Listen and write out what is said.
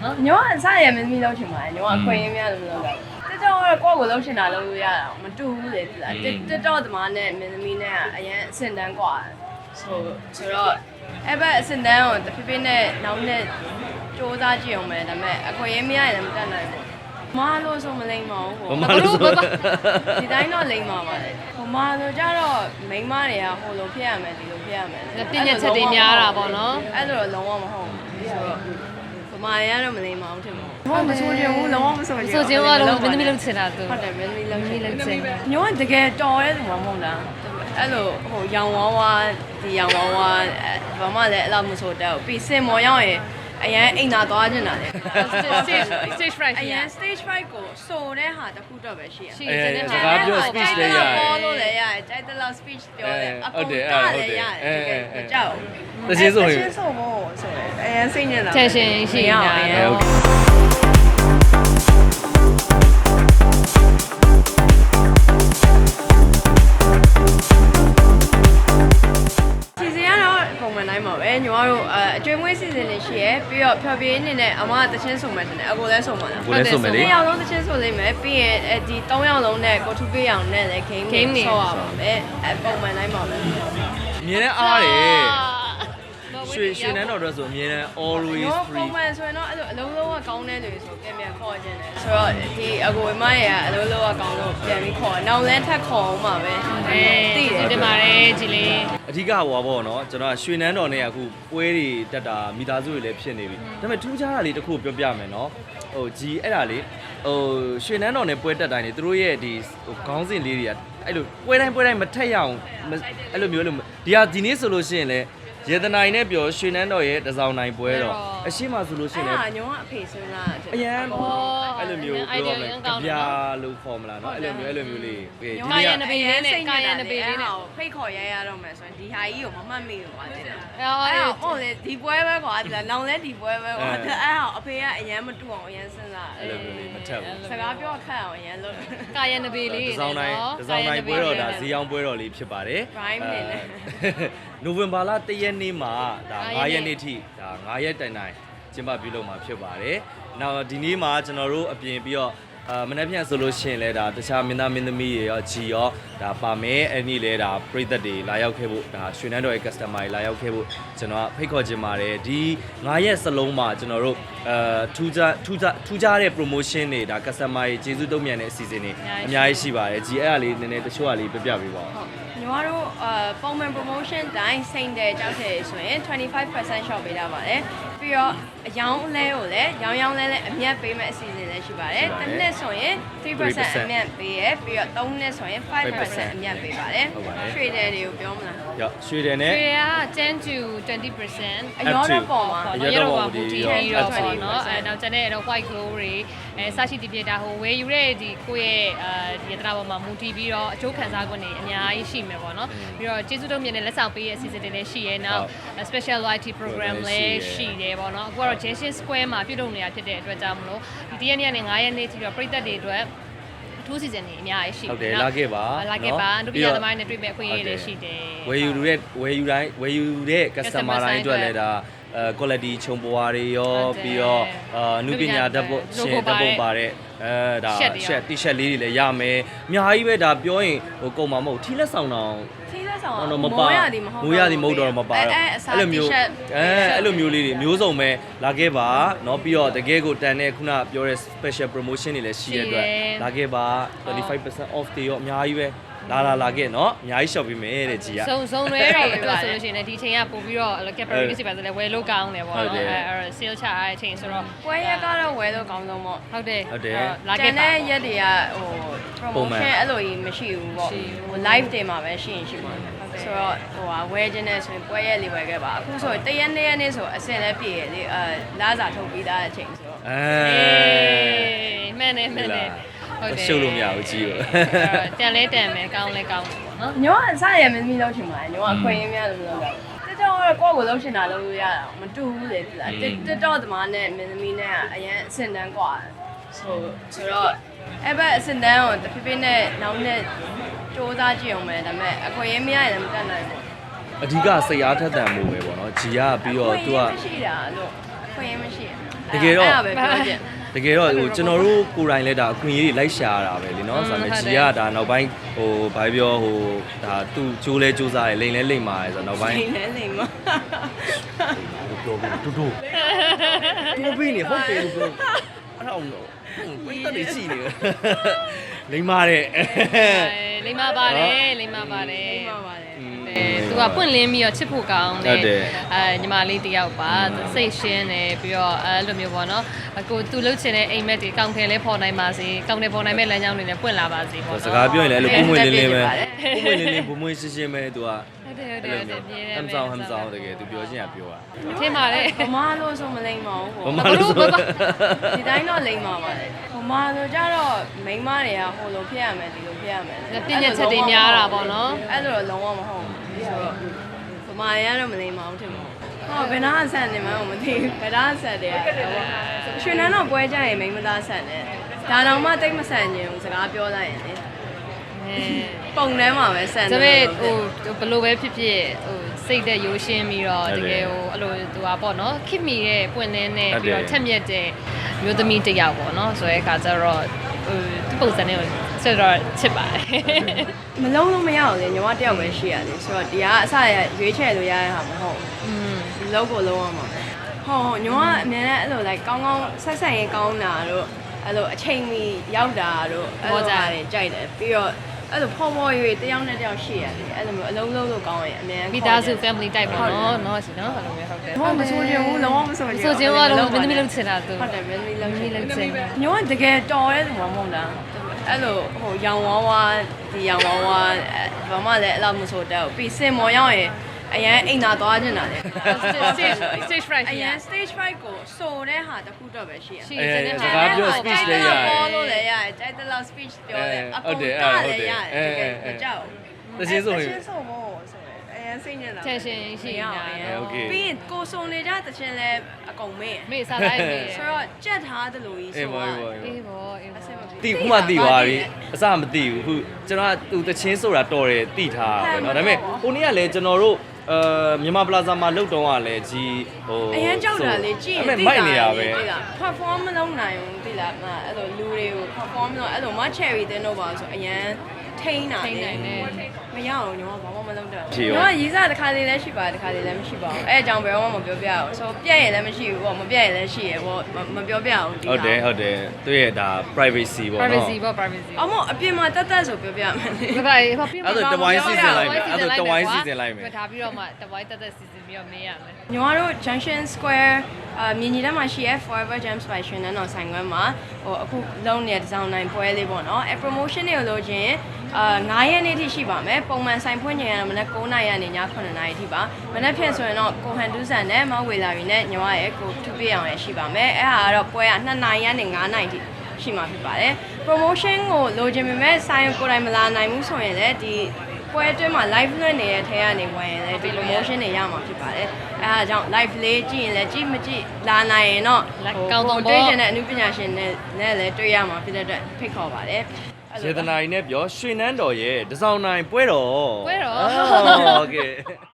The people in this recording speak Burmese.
နော်ညောအစားရမင်းမီလောက်ချင်ပါတယ်ညောအခွင့်အရေးများလို့မလုပ်တော့တက်တော့ကိုယ့်ကိုလှုပ်ရှင်တာလုပ်လို့ရတာမတူဘူးလေဒီလားတက်တော့သမားနဲ့မင်းသမီးနဲ့အရင်အစင်တန်းกว่าဆိုတော့အဲ့ဘက်အစင်တန်းကိုတဖြည်းဖြည်းနဲ့နောက်နဲ့စူးစမ်းကြည့်အောင်မယ်ဒါပေမဲ့အခွင့်အရေးမရရင်မတတ်နိုင်ဘူးမလို့ဆိုမလိမ့်မအောင်ဟိုဒီတိုင်းတော့လိမ့်မှာပါလေဟိုမဆိုကြတော့မိန်းမတွေကဟိုလိုဖြစ်ရမယ်ဒီလိုဖြစ်ရမယ်ပြည့်ညက်ချက်တွေများတာပေါ့နော်အဲ့လိုလုံးဝမဟုတ်ဘူးဆိုတော့ဗမာရတော့မလိမ့်မအောင်ထင်ပါဘူးမဆိုချင်ဘူးလုံးဝမဆိုချင်ဘူးဆိုချင်တော့မင်းသမီးလုံးချင်တာသူဟုတ်တယ်မင်းသမီးလုံးချင်ညိုကတကယ်တော်ရဲသူမဟုတ်လားအဲ့လိုဟိုရောင်ဝါးဝါဒီရောင်ဝါးဝါဘာမှလည်းအဲ့လိုမဆိုတော့ပြီးစင်မော်ရောက်ရင်အရင်အိမ်သာသွားနေတာလေ stage fright အရင် stage fright ကိုဆိုတဲ့ဟာတစ်ခုတော့ပဲရှိရရှိတယ်စကားပြော speech လေးရတယ်ပေါ်လို့လည်းရတယ်ကြိုက်တဲ့လောက် speech ပြောတယ်အကုန်တားလည်းရတယ်တကယ်ကြောက်တချင်းဆိုရင်တချင်းဆိုဖို့ဆိုရင်အရင်စိတ်ညစ်တာ tension ရှိနေတာအရင်နိုင်ပါပဲညီမတို့အကျွေးမွေးစီစဉ်နေရှိရပြီးတော့ဖျော်ဖြေနေနဲ့အမကတချင်းစုံမယ်တယ်အကိုလည်းစုံပါလားကိုလည်းစုံမယ်လေ 2ယောက်လုံးတချင်းစုံလိမ့်မယ်ပြီးရင်ဒီ3ယောက်လုံးနဲ့ကိုထူပေးအောင်နဲ့လည်း game ဆော့ရပါမယ်ပုံမှန်နိုင်ပါပဲအမြဲတမ်းအားတယ်ရွှေနန်းတော်တို့ဆိုအမြဲတမ်း always free ပုံမှန်ဆိုရင်တော့အဲ့လိုအလုံးလုံးကကောင်းတဲ့လူဆိုပြန်ခေါ်ခြင်းတယ်ဆိုတော့ဒီအကိုမရဲ့အလုံးလုံးကကောင်းလို့ပြန်ပြီးခေါ်နောက်လဲထပ်ခေါ်အောင်ပါပဲသိတယ်တင်ပါတယ်ကြည်လေးအဓိကဟိုပါပေါ့နော်ကျွန်တော်ရွှေနန်းတော်နဲ့အခုပွဲတွေတက်တာမိသားစုတွေလည်းဖြစ်နေပြီဒါပေမဲ့ထူးခြားတာလေးတစ်ခုပြောပြမယ်နော်ဟိုကြီးအဲ့ဒါလေးဟိုရွှေနန်းတော်နဲ့ပွဲတက်တိုင်းနေသူတို့ရဲ့ဒီဟိုခေါင်းစဉ်လေးတွေကအဲ့လိုပွဲတိုင်းမထက်ရအောင်အဲ့လိုမျိုးလို့ဒီနေ့ဆိုလို့ရှိရင်လည်းရေတနိုင်နဲ့ပြောရွှေနန်းတော်ရဲ့တစောင်းနိုင်ပွဲတော့အရှိမဆိုလို့ရှိရင်လည်းညောကအဖေစဉ်းစားအရန်အဲ့လိုမျိုးပြောရမယ်ကြပြလို့ခေါ်မလားเนาะအဲ့လိုမျိုးလေးဒီနေ့ကနဘေးလေးနဲ့ကာယနဘေးလေးနဲ့ဖိတ်ခေါ်ရတော့မယ်ဆိုရင်ဒီဟာကြီးကိုမမှတ်မိဘူးကွာတဲ့အဲ့ဟုတ်လေဒီပွဲပဲကွာလောင်လဲဒီပွဲပဲကွာအဲ့ဟာအဖေကအရန်မတူအောင်အရန်စဉ်းစားအဲ့လိုမျိုးလေးမထက်ဘူးစကားပြောခက်အောင်အရန်လို့ကာယနဘေးလေးတစောင်းနိုင်ပွဲတော်ဒါဇီအောင်ပွဲတော်လေးဖြစ်ပါတယ် rhyme နေတယ်နိုဝင်ဘာလ1ရက်နေ့မှာဒါ9ရက်နေ့ထိဒါ9ရက်တိုင်ကျင်းပပြုလုပ်မှာဖြစ်ပါတယ်။နောက်ဒီနေ့မှာကျွန်တော်တို့အပြင်ပြီးတော့မနေ့ပြန်ဆိုလို့ရှိရင်လည်းဒါတခြားမင်းသားမင်းသမီးတွေရောဂျီရောဒါပါမယ်အဲ့ဒီလည်းဒါပရိသတ်တွေလာရောက်ခဲ့ဖို့ဒါရွှေနန်းတော်ရဲ့ customer တွေလာရောက်ခဲ့ဖို့ကျွန်တော်ဖိတ်ခေါ်ခြင်းပါတယ်ဒီ9ရက်စလုံးမှာကျွန်တော်တို့ထူးခြားတဲ့ promotion တွေဒါ customer တွေကျေးဇူးတုံ့ပြန်တဲ့အစီအစဉ်တွေအများကြီးရှိပါတယ်ဂျီအဲ့ဒါလေးနည်းနည်းတချို့ကလေးပြပြပေးပါဦးညီမတို့ပုံမှန် promotion တိုင်းစိမ့်တယ်ကြောက်တယ်ဆိုရင်25% shop ပေးတာပါတယ်ပြီးတော့အယောင်းလဲကိုလည်းရောင်းလဲအမြတ်ပေးမဲ့အစီအစဉ်လည်းရှိပါတယ်တစ်နှစ်ဆိုရင်3% အမြတ်ပေးရပြီးတော့3နှစ်ဆိုရင်5% အမြတ်ပေးပါတယ်ရွှေတယ်တွေကိုပြောမလားရွှေတယ်နဲ့ရွှေက10 to 20% အရောတော့ပေါ်မှာအရောတော့မူတီပြီးတော့ပေါ့နော်နောက်ကျန်တဲ့ white glow တွေစရှိတီပြတာဟိုဝယ်ယူတဲ့ဒီကိုယ့်ရဲ့ဒီရတနာပေါ်မှာမူတီပြီးတော့အကျိုးခံစား권တွေအများကြီးရှိမယ်ပေါ့နော်ပြီးတော့ကျေးဇူးတုံးမြင့်တဲ့လက်ဆောင်ပေးရဲ့အစီအစဉ်တွေလည်းရှိရဲနောက် special loyalty program လည်းရှိတယ်ပေါ့နော်အခုကတော့ Junction Square မှာပြုလုပ်နေတာဖြစ်တဲ့အတွက်ကြောင့်မလို့ဒီရက်နေ့နဲ့9ရက်နေ့ထိတော့ပြည်သက်တွေအတွက်အထူးစီစဉ်နေအများကြီးရှိတယ်ဟုတ်တယ်လာခဲ့ပါဒုတိယသမိုင်းနဲ့တွေ့မဲ့အခွင့်အရေးတွေရှိတယ်ဝယ်ယူတဲ့ customer တိုင်းအတွက်လည်းဒါ quality ခြုံပွားတွေရောပြီးတော့နုပညာဓာတ်ပုံရှင်ဓာတ်ပုံပါတဲ့ဒါ t-shirt လေးတွေလည်းရမယ်အများကြီးပဲဒါပြောရင်ဟိုကုန်မှာမဟုတ်ထီးလက်ဆောင်တော့တော့မပါမိုးရသည်မဟုတ်တော့မပါတော့အဲ့လိုမျိုးအဲ့လိုမျိုးလေးတွေမျိုးစုံပဲလာခဲ့ပါเนาะပြီးတော့တကယ်ကိုတန်တဲ့ခုနပြောတဲ့ special promotion တွေလည်းရှိရတဲ့အတွက်လာခဲ့ပါ25% off တွေရောအများကြီးပဲလာခဲ့เนาะအများကြီး shop ပေးမယ်တဲ့ကြီးอ่ะစုံတွေအတွက်ဆိုလို့ရှိရင်ဒီချိန်ကပို့ပြီးတော့ capability ပါဆိုလဲဝယ်လို့ကောင်းတယ်ပေါ့နော်အဲ့ sale ချတဲ့အချိန်ဆိုတော့ပွဲရက်ကတော့ဝယ်လို့ကောင်းဆုံးပေါ့ဟုတ်တယ်လာခဲ့တဲ့ရက်တွေကဟို promotion အဲ့လိုကြီးမရှိဘူးပေါ့ဟို live တင်မှာပဲရှိရင်ရှိမှာဆိုတော့ဟိုဝယ်ခြင်းနဲ့ဆိုရင်ပွဲရက်လေးဝယ်ခဲ့ပါအခုဆိုတရက်နေ့နေ့ဆိုအစင်လည်းပြည့်ရလေလာစာထုတ်ပြီးသားတဲ့အချိန်ဆိုတော့မှန်တယ်ဟုတ်တယ်ရှုပ်လို့မရဘူးကြီးရောတန်လဲတန်မယ်ကောင်းလဲကောင်းတယ်ပေါ့နော်ညောအစားရမင်းမီလောက်ချင်ပါတယ်ညောအခွင့်အရေးများလို့မလုပ်တော့တက်တော့ကိုယ့်ကိုလှုပ်ရှင်တာလုပ်လို့ရတာမတူဘူးလေဒီလားတက်တော့သမားနဲ့မင်းသမီးနဲ့အရင်အစင်တန်းกว่าဆိုတော့အဲ့ဘက်အစင်တန်းကိုတဖြည်းဖြည်းနဲ့နောက်နဲ့စူးစမ်းကြည့်အောင်မယ်ဒါပေမဲ့အခွင့်အရေးမရရင်မတတ်နိုင်ဘူးအဓိကစိတ်အားထက်သန်မှုပဲပေါ့နော်ဂျီကပြီးတော့ तू ကမရှိတာလို့အခွင့်အရေးမရှိတကယ်တော့အဲ့ဒါပဲပြောချင်တကယ်တော့ဟိုကျွန်တော်တို့ကိုယ်တိုင်လည်းဒါအခွင့်အရေးတွေလိုက်ရှာရတာပဲလीနော်ဆိုတော့ဂျီကဒါနောက်ပိုင်းဟိုဘာပြောဟိုဒါသူ့ကျိုးလဲကျိုးစားတယ်လိန်လဲလိန်ပါတယ်ဆိုတော့နောက်ပိုင်းလိမ့်လဲလိမ့်မပြောပြီးတူတူပြောပြီးနေဟုတ်တယ်လို့ပြောအဲ့တော့ဘယ်တည်းရှိနေလိန်ပါတယ်လိမ္မာပါတယ်လိမ္မာပါတယ်လိမ့်ပါပါတယ်သူကပွင့်လင်းပြီးတော့ချစ်ဖို့ကောင်းတယ်ညီမလေးတယောက်ပါစိတ်ရှင်းတယ်ပြီးတော့အဲ့လိုမျိုးပေါ့နော်ကိုသူလှုပ်ချင်တဲ့အိမ်မက်တွေကောင်းတယ်လဲပေါ်နိုင်ပါစေကောင်းတယ်ပေါ်နိုင်မဲ့လမ်းကြောင်းတွေနဲ့ပွင့်လာပါစေပေါ့နော်စကားပြောရင်လည်းအဲ့လိုပုံမွေလေးလေးပဲပုံမွေလေးလေးပုံမွေရှင်းရှင်းပဲသူကဟုတ်တယ်ပြင်းတယ်ဟမ်ဆောင်ဟမ်ဆောင်တကယ်သူပြောချင်းကပြောတာထင်ပါတယ်ဘမလို့ဆိုမလိမ့်ပါဘူးဘာမှလို့ဆိုဒီတိုင်းတော့လိမ့်ပါပါတယ်ဘမဆိုကြတော့မိန်းမတွေကဟိုလိုဖြစ်ရမယ်ဒီလိုဖြစ်ရမယ်ပြင်းညက်ချက်တွေများတာပေါ့နော်အဲ့လိုလုံးဝမဟုတ်ဘူးဆိုတော့ဘမတွေကတော့မလိမ့်ပါဘူးထင်ပါဟောဘယ်နာဆန်နေမှမသိဘူးဘယ်နာဆန်တယ်ရွှေနန်းတော့ပွဲကြရင်မိန်းမသားဆန်တယ်ဒါတော့မှတိတ်မဆန်ခြင်းဘူးစကားပြောလိုက်ရင်လေပုံထဲမှာပဲဆန်တယ်ဒါပေမဲ့ဟိုဘယ်လိုပဲဖြစ်ဖြစ်ဟိုစိတ်သက်ရိုးရှင်းပြီးတော့တကယ်ဟိုအဲ့လိုသူကပေါ့နော်ခင်မီတဲ့ပွင့်လင်းတဲ့ပြီးတော့ချက်မြက်တဲ့မျိုးသမီးတစ်ယောက်ပေါ့နော်ဆိုရဲအခါကျတော့ဟိုသူပုံစံနဲ့ဆက်တော့ချစ်ပါတယ်မလုံးလို့မရအောင်လေညီမတယောက်ပဲရှိရတယ်ဆိုတော့ဒီကအစရရွေးချယ်လို့ရတဲ့ဟာမဟုတ်ဘူးလုံးကိုလုံးအောင်ပါပဲဟုတ်ညီမကအများနဲ့အဲ့လို like ကောင်းကောင်းဆက်ဆက်ရင်ကောင်းတာတို့အဲ့လိုအချိန်မီရောက်တာတို့အဲ့လိုကြတယ်ကြိုက်တယ်ပြီးတော့အဲ့လိုဖော်ဖော်ရွေတယောက်နဲ့တယောက်ရှိရတယ်အဲ့လိုမျိုးအလုံးလုံးလို့ကောင်းရင်အများမိသားစု family type ပေါ့နော်နော်စီနော်အဲ့လိုမျိုးဟုတ်တယ်ဘာမဆိုချင်ဘူးလုံးဝမဆိုချင်ဆိုချင်းကတော့မင်းသမီးလုံးချင်တာသူဟုတ်တယ်မင်းသမီးလုံးချင်လုံးချင်ညောတကယ်တော်ရဲသူမဟုတ်လားအဲ့လိုဟိုရောင်ဝါးဝါဒီရောင်ဝါးဝါဘာမှလည်းအဲ့လိုမဆိုတတ်ဘူးပြီးစင်မော်ရောက်ရင်အရန်အိမ်သာသွားနေတာလေ stage fright အရန် stage fright ကိုဆိုတဲ့ဟာတစ်ခုတော့ပဲရှိရရှိအဲတယ်စကားပြော speech လေးရတယ်ပေါ်လို့လည်းရတယ်ကြိုက်တဲ့လောက် speech ပြောတယ်အကုန်ကလည်းရတယ်တကယ်မကြောက်တချင်းဆိုရင်တချင်းဆိုမို့ဆိုရင်အရန်စိတ်ညစ်လာ tension ရှိနေတာโอเคပြီးရင်ကိုစုံနေကြတချင်းလဲအကုန်မေ့မေးစားလိုက်မေးဆိုတော့ကြက်ထားသလိုကြီးအေးဆိုပါတော့အေးပါအေးဘောအေးဘောတီခုမှတီသွားပြီအစမသိဘူးခုကျွန်တော်ကသူတချင်းဆိုတာတော်တယ်တီထားတာပဲเนาะဒါပေမဲ့ဟိုနေ့ကလည်းကျွန်တော်တို့မြန်မာပလာဇာမှာလုတ်တုံးကလည်းကြီးဟိုအရန်ကြောက်တာလေကြည့်ရင်မိုက်နေရပဲသိလား perform မလုပ်နိုင်ဘူးသိလားအဲ့လိုလူတွေကို perform လုပ်အဲ့လိုမ cherry တင်းတော့ပါဆိုအရန်ထိန်းတာထိန်းနိုင်တယ်မရအောင်ညီမဘာမှမလုပ်တော့ဘူးညီမရေးစားတစ်ခါလေးလည်းရှိပါတစ်ခါလေးလည်းမရှိပါဘူးအဲ့အကြောင်းဘယ်တော့မှမပြောပြအောင်ဆိုပြက်ရင်လည်းမရှိဘူးပေါ့မပြက်ရင်လည်းရှိရပေါ့မပြောပြအောင်ဒီဟုတ်တယ်ဟုတ်တယ်သူရဲ့ဒါ privacy ပေါ့เนาะ privacy ပေါ့ privacy အမအပြင်မှာတက်တက်ဆိုပြောပြမယ်လေဘာဘာပြအဲ့ဒါတဝိုင်းစီစဉ်လိုက်မယ်အဲ့ဒါတဝိုင်းစီစဉ်လိုက်မယ်ထားပြီးတော့မှတဝိုင်းတက်တက်စီစဉ်ပြီးတော့မေးရမယ်ညီမတို့ Junction Square မြင်းကြီးထဲမှာရှိရဲ Forever Gems by ရွှေနန်းတော်ဆိုင်ခွဲမှာဟိုအခုလုံးနေတဲ့ဒီဇိုင်းနိုင်ပွဲလေးပေါ့နော်အဲ promotion တွေကိုလို့ချင်း9ရက်နေ့ထိရှိပါမယ်ပုံမှန်ဆိုင်ဖွင့်ချိန်ကတော့မနက်9:00နာရီကနေည9:00နာရီထိပါမနက်ဖြန်ဆိုရင်တော့ကိုဟန်တူးဆန်နဲ့မောင်ဝေလာရီနဲ့ညီမရဲ့ကိုထူပြအောင်ရရှိပါမယ်အဲဟာကတော့ပွဲက2:00နာရီကနေ9:00နာရီထိရှိမှာဖြစ်ပါတယ် promotion ကိုလိုချင်ပေမဲ့ဆိုင်ကိုယ်တိုင်မလာနိုင်ဘူးဆိုရင်လည်းဒီပွဲအတွင်းမှာ live လွှင့်နေတဲ့ထဲကနေဝင်ရင်လည်းဒီ promotion တွေရမှာဖြစ်ပါတယ်အဲဒါကြောင့် live လေးကြည့်ရင်လည်းကြည့်မကြည့်လာနိုင်ရင်တော့တွေ့ကျင်တဲ့အမှုပညာရှင်နဲ့လည်းတွေ့ရမှာဖြစ်တဲ့အတွက်ဖိတ်ခေါ်ပါတယ်စေတနာကြီးနဲ့ပြောရွှေနန်းတော်ရဲ့တစောင်းနိုင်ပွဲတော်ပွဲတော်โอเค